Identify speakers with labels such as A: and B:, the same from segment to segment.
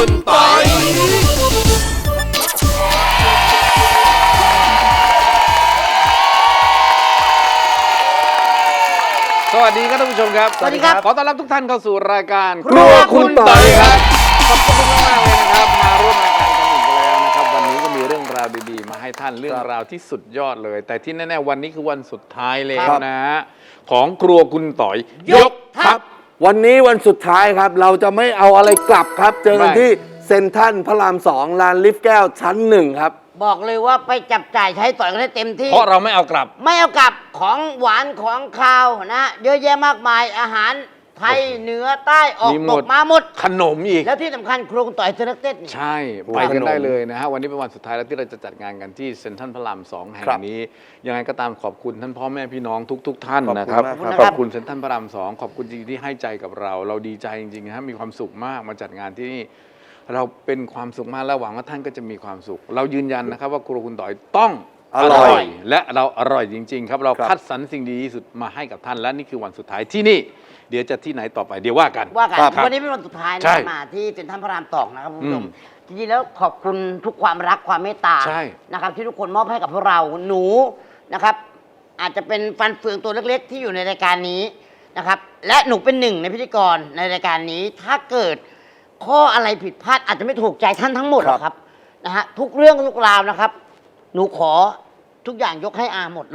A: คุณปอยสวัสดีครับท่านผู้ชมครับ
B: สวัสดีครับ
A: ขอต้อนรับทุกท่านเข้าสู่รายการ
B: ครัวคุณปอยครับ
A: ขอบคุณมากๆเลยนะครับมาร่วมรายการกันอีกแล้วนะครับวันนี้ก็มีเรื่องราวดีๆมาให้ท่านเรื่องราวที่สุดยอดเลย แต่ที่แน่ๆวันนี้คือวันสุดท้ายแล้วนะฮะของครัวคุณต่อยยกทัพ
C: วันนี้วันสุดท้ายครับเราจะไม่เอาอะไรกลับครับ เจอกันที่เซ็นทรัลพระราม2ลานลิฟต์แก้วชั้น1ครับ
B: บอกเลยว่าไปจับจ่ายใช้สอยกันได้เต็มที่
A: เพราะเราไม่เอากลับ
B: ไม่เอากลับของหวานของคาวนะเยอะแยะมากมายอาหารไทยเหนือใต้ออก
A: มีห
B: ต
A: มด
B: กมาหมด
A: ขนมอีก
B: แล้วที่สำคัญครัวคุณต่อยเซเลคเต็ด
A: ใช่ไปกันได้เลยนะฮะวันนี้เป็นวันสุดท้ายแล้วที่เราจะจัดงานกันที่เซ็นทรัลพระราม2แห่งนี้ยังไงก็ตามขอบคุณท่านพ่อแม่พี่น้องทุกท่านนะครับ
C: ขอบคุณมาก
A: ข
C: ครั
A: อบบ คุณเซ็นทรัลพระราม2ขอบคุณจริงๆที่ให้ใจกับเรา เราดีใจจริงๆนะฮะมีความสุขมากมาจัดงานที่นี่เราเป็นความสุขมากและหวังว่าท่านก็จะมีความสุข เรายืนยันนะครับว่าครัวคุณต่อยต้องอร่อยและเราอร่อยจริง ๆ ครับเราคัดสรรสิ่งดีที่สุดมาให้กับท่านและนี่คือวันสุดท้ายที่นี่เดี๋ยวจะที่ไหนต่อไปเดี๋ยวว่ากัน
B: ว่ากัน
A: ครับ
B: วันนี้เป็นวันสุดท้าย
A: ใช่
B: นะมาที่เซ็นทรัลพระรามสองนะครับคุณผู้ชม
A: อืม
B: จริงๆแล้วขอบคุณทุกความรักความเมตตา
A: ใช่
B: นะครับที่ทุกคนมอบให้กับพวกเราหนูนะครับอาจจะเป็นฟันเฟืองตัวเล็กๆ ที่อยู่ในรายการนี้นะครับและหนูเป็นหนึ่งในพิธีกรในรายการนี้ถ้าเกิดข้ออะไรผิดพลาดอาจจะไม่ถูกใจท่านทั้งหมดหรอกครับนะฮะทุกเรื่องทุกราวนะครับ หนูขอทุกอย่างยกให้อาหมดเลย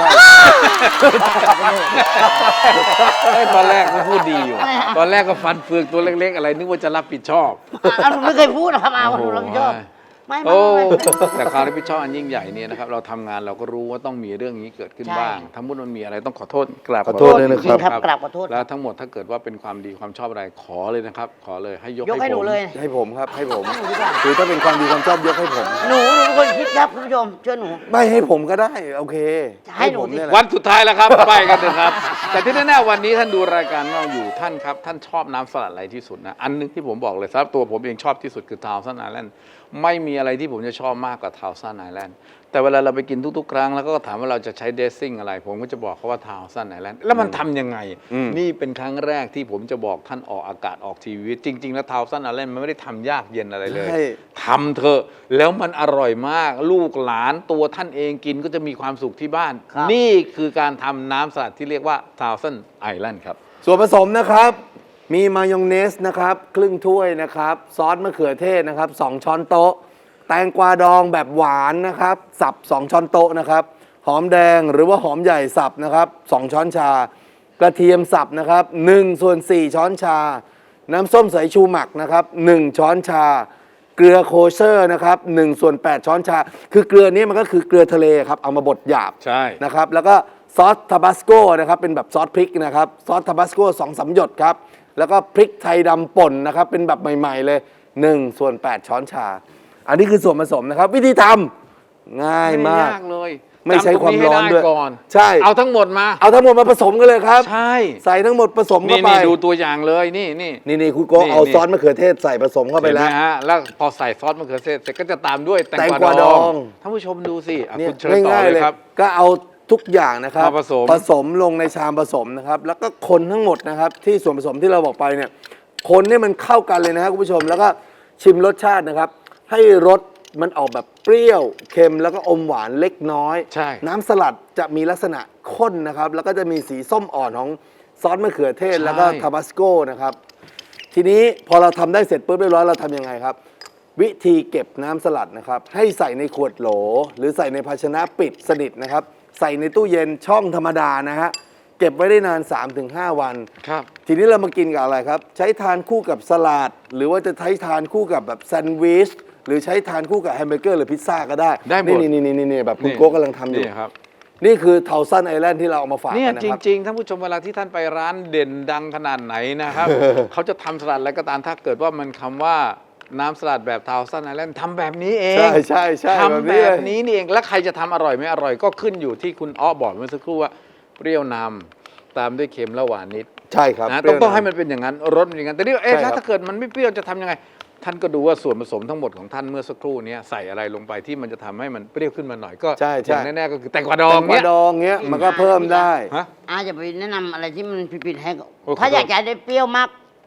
A: ตอนแรกก็พูดดีอยู่ ตอนแรกก็ฟันเฟืองตัวเล็กๆ อะไรนึกว่าจะรับผิดชอบ
B: หนูไม่เคยพูดนะครับอาว่าหนูรับผิดชอบไม่
A: โอ้
B: ไม่
A: แต่ความรับผิดชอบอันยิ่งใหญ่เนี่ยนะครับเราทำงานเราก็รู้ว่าต้องมีเรื่องนี้เกิดขึ้น
B: ใช่
A: บ้างถ้ามุดมันมีอะไรต้องขอโทษกราบ
C: ขอโทษด้วยนะครับ
B: จริงครับกราบขอโทษ
A: แล้วทั้งหมดถ้าเกิดว่าเป็นความดีความชอบอะไรขอเลยนะครับ ขอเลยให้ยก
B: ยกให้หนู
A: ผม
B: เลย
C: ให้ผมครับให้ผม
B: ให้หนูดีกว่า
C: คือถ้าเป็นความดีความชอบยกให้ผม
B: หนูเป็นคนคิดครับคุณผู้ชมเชื่อหนู
C: ไม่ให้ผมก็ได้โอเค
B: ให้หนู
C: ผม
B: สิ
C: เนี่ยแหละ
A: วันสุดท้ายแล้วครับ ไปกันเถอะครับ แต่ที่แน่ๆวันนี้ท่านดูรายการเราอยู่ท่านครับท่านชอบน้ำสลัดอะไรที่สุดนะอันนึงที่ผมบอกเลยสำหรับตัวผมเองชอบที่สุดคือทาวซันไอแลนด์ไม่มีอะไรที่ผมจะชอบมากกว่าทาวซันไอแลนด์แต่เวลาเราไปกินทุกๆ ครั้งแล้วก็ถามว่าเราจะใช้เดซซิ่งอะไร ผมก็จะบอกเขาว่าทาวซันไอแลนด์แล้วมันทำยังไง นี่เป็นครั้งแรกที่ผมจะบอกท่านออกอากาศออกทีวีจริง ๆ แล้วทาวซันไอแลนด์มันไม่ได้ทำยากเย็นอะไรเลย
C: ใช่
A: ทำเถอะแล้วมันอร่อยมาก ลูกหลานตัวท่านเองกินก็จะมีความสุขที่บ้าน
B: ครับ
A: นี่คือการทำน้ำสลัดที่เรียกว่าทาวซันไอแลนด์ครับ
C: ส่วนผสมนะครับมีมายองเนสนะครับครึ่งถ้วยนะครับซอสมะเขือเทศนะครับ2ช้อนโต๊ะแตงกวาดองแบบหวานนะครับสับ2ช้อนโต๊ะนะครับหอมแดงหรือว่าหอมใหญ่สับนะครับ2ช้อนชากระเทียมสับนะครับ1/4 ช้อนชา น้ำส้มสายชูหมักนะครับ1ช้อนชา เกลือโคเชอร์นะครับ1/8 ช้อนชา คือเกลือนี้มันก็คือเกลือทะเลครับเอามาบดหยาบ
A: ใช่
C: นะครับแล้วก็ซอสทาบาสโกนะครับเป็นแบบซอสพริกนะครับซอสทาบาสโก2-3 หยดครับแล้วก็พริกไทยดำป่นนะครับเป็นแบบใหม่ๆเลย1/8 ช้อนชา อันนี้คือส่วนผสมนะครับ วิธีทำง่ายมาก
A: เลย
C: ไม่ใช้ความร้อนด้วย
A: จำตงให้ไก่อน
C: ใช่
A: เอาทั้งหมดมา
C: เอาทั้งหมดมาผสมกันเลยครับ
A: ใช่
C: ใส่ทั้งหมดผสมเข้า
A: นี่
C: ไป
A: นี่ดูตัวอย่างเลยนี่
C: นี่คุณโก้
A: นี่
C: เอาซอสมะเขือเทศใส่ผสมเข้าไป
A: เห็น
C: แล้
A: ไหม
C: ว
A: ฮะแล้วพอใส่ซอสมะเขือเทศเสร็จก็จะตามด้วยแตง
C: แตง
A: ก
C: ก
A: วาว
C: า
A: ด
C: ด
A: อ
C: อง ง
A: ท่านผู้ชมดูสิอ่ะ
C: เนี่ย
A: คุณเชิญต่อ
C: ง่าย
A: เล
C: ๆเลย ย
A: ครับ
C: ก็เอาทุกอย่างนะครับ
A: มาผสม
C: ลงในชามผสมนะครับแล้วก็คนทั้งหมดนะครับที่ส่วนผสมที่เราบอกไปเนี่ยคนให้มันเข้ากันเลยนะครับคุณผู้ชมแล้วก็ชิมรสชาตินะครับ ให้รสมันออกแบบเปรี้ยวเค็มแล้วก็อมหวานเล็กน้อย
A: ใช่
C: น้ำสลัดจะมีลักษณะข้นนะครับแล้วก็จะมีสีส้มอ่อนของซอสมะเขือเทศ
A: ใช่
C: แล้วก็ทาบาสโกนะครับทีนี้พอเราทำได้เสร็จปุ๊บเรียบร้อยเราทำยังไงครับ วิธีเก็บน้ำสลัดนะครับให้ใส่ในขวดโหล หรือใส่ในภาชนะปิดสนิทนะครับใส่ในตู้เย็นช่องธรรมดานะฮะเก็บไว้ได้นาน 3-5 วัน
A: ครับ
C: ทีนี้เรามากินกับอะไรครับ ใช้ทานคู่กับสลัด หรือว่าจะใช้ทานคู่กับแบบแซนด์วิชหรือใช้ทานคู่กับแฮมเบอร์เกอร์หรือพิซซ่าก็ได้
A: ได้หมด
C: นี่แบบคุณโก้กำลังทำอยู่
A: นี่ครับ
C: นี่คือเทาซันไอแลนด์ที่เราเอามาฝาก
A: เนี่ย
C: กันนะ
A: จ
C: ครับ
A: ริงๆท่านผู้ชมเวลาที่ท่านไปร้านเด่นดังขนาดไหนนะครับ เขาจะทำสลัดอะไรก็ตามถ้าเกิดว่ามันคำว่าน้ำสลัดแบบทาวซันไอแลนด์ทำแบบนี้เอง
C: ใช่แบบ
A: ทำแบ
C: นี้เล
A: บ
C: ย
A: นี้นี่เองแล้วใครจะทำอร่อยไม่อร่อยก็ขึ้นอยู่ที่คุณอ้อบอกเมื่อสักครู่ว่าเปรี้ยวนำตามด้วยเค็มและหวานนิด
C: ใช่ครับ
A: นะ
C: เปรี้ยว
A: ต้องให้
C: ำ
A: มันเป็นอย่างนั้นรสเป็นอย่างนั้นแต่นี่เอ๊ะ
C: ใช่ครับ
A: แล้วถ้าเกิดมันไม่เปรี้ยวจะทำยังไง ท่านก็ดูว่าส่วนผสมทั้งหมดของท่านเมื่อสักครู่นี้ใส่อะไรลงไปที่มันจะทำให้มันเปรี้ยวขึ้นมาหน่อยก็
C: ใช่
A: อย่างแน่ๆก็คือแตงกวาดอง
C: แตงกวาดองเงี้ยมันก็เพิ่มได้
A: ฮะ
B: อาจะไปแนะนำอะไรที่มันผิดๆให้
A: โอ้
B: ถ้า
A: ขอโทษ
B: อยากจะได้เปรี้ยวมาก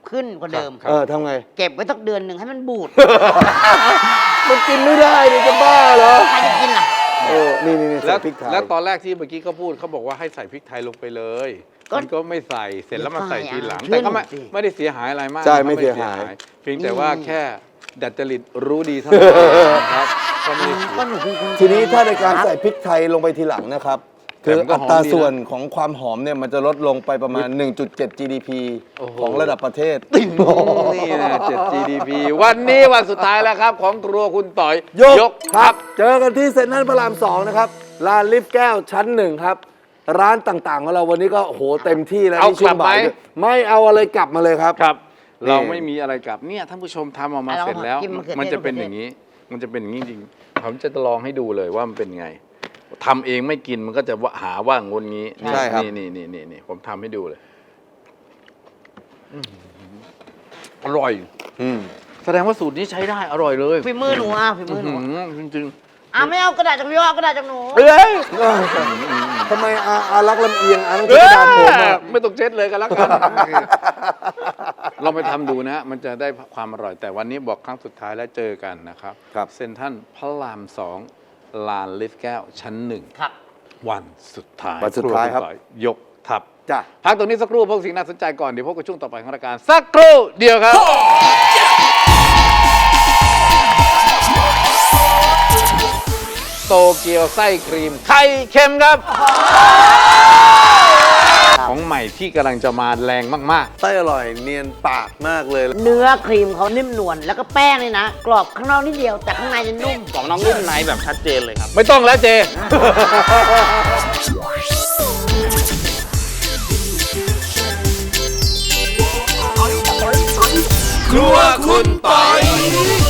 B: ขึ้นกว่าเดิม
C: ทำไง
B: เก็บไว้สักเดือนหนึ่งให้มันบูด
C: มันกินไม่ได้ดิจะบ้าเหรอ
B: ใครจะกินล่ะ
C: นี่
A: แล้
C: ใส่
A: ว
C: พริกไทย
A: แล้วตอนแรกที่เมื่อกี้เขาพูดเขาบอกว่าให้ใส่พริกไทยลงไปเลย
B: ก็
A: มันก็ไม่ใส่เสร็จแล้วมาใส่ทีหลัง
B: เชื่อ
A: แต่ก็ไม่
B: หนูสิ
A: ไม่ได้เสียหายอะไรมาก
C: ใช่
A: นะครับ
C: ไม่เสียหาย
A: เพียงแต่ว่าแค่ดัดจริตรู้ดีเท่านั้นนะครับก็ไม่ได้เสีย
B: ก็หนูเป็นคน
C: ทีนี้ถ้าในการใส่พริกไทยลงไปทีหลังนะครับ
A: แต่
C: คือ
A: มันก็
C: อั
A: หอม
C: ตรา
A: ดีนะ
C: ส่วนของความหอมเนี่ยมันจะลดลงไปประมาณ 1.7 GDP
A: โอ้โห
C: ของระดับประเทศ
A: นี่นะ7 GDP วันนี้วันสุดท้ายแล้วครับของครัวคุณต่อย
C: ยกครับ เจอกันที่เซ็นทรัลพระราม 2 นะครับร้านลิฟต์แก้วชั้น 1 ครับ ร้านต่างๆของเราวันนี้ก็โอ้โหเต็มที่แล้ว
A: เอา
C: ที่ช่วงบ่าย
A: กลับไหม
C: ด้วยไม่เอาอะไรกลับมาเลยครับ
A: ครับ
C: นี่
A: เราไม่มีอะไรกลับเนี่ยท่านผู้ชมทำออกมา
B: เอา
A: เสร็จแล้ว
B: กินมะเขือเทศ
A: มันจะเป็นอย่างนี้ มันจะเป็นอย่างนี้จริงๆผมจะลองให้ดูเลยว่ามันเป็นไงทำเองไม่กินมันก็จะหาว่างนงี้
C: ใช่ครับ
A: นี่ผมทำให้ดูเลยอร่อย แสดงว่าสูตรนี้ใช้ได้อร่อยเลย
B: ฝีมือหนูอ่ะฝีมือหนู
A: จริง
B: ไม่เอากระดาษจากพี่เอากระดาษจากหนู
A: ๆเอ้ย
C: ทำไมอารักลำเอียงต้องใช้กระดานผมอะ
A: ไม่ต้องเช็ดเลยกันแล้วกันเราไปทำดูนะมันจะได้ความอร่อย แต่วันนี้บอกครั้งสุดท้ายแล้วเจอกันนะครับ
C: ครับ
A: เซ็นทรัลพระราม 2 ลานลิฟต์แก้วชั้น
B: ครับ
A: 1 วันสุดท้าย
C: วันสุดท้ายครับ
A: วณต่อยยกทัพ
C: จ้ะ
A: พักตรงนี้สักครู่พวกสิ่งน่าสนใจก่อน เดี๋ยวพบกับช่วงต่อไปของรายการ สักครู่เดียวครับ โตเกียวไส้ครีม ไข่เค็มครับ ของใหม่ที่กำลังจะมาแรงมาก
C: ไส้อร่อยเนียนปากมากเลย
B: เนื้อครีมเขานิ่มนวลแล้วก็แป้งนี่นะ กรอบข้างนอกนิดเดียวแต่ข้างในจะนุ่ม
D: ของน้องนุ่มในแบบชัดเจนเลยครับ
A: ๆ ไม่ต้องแล้วเจ
E: ครัวคุณปอย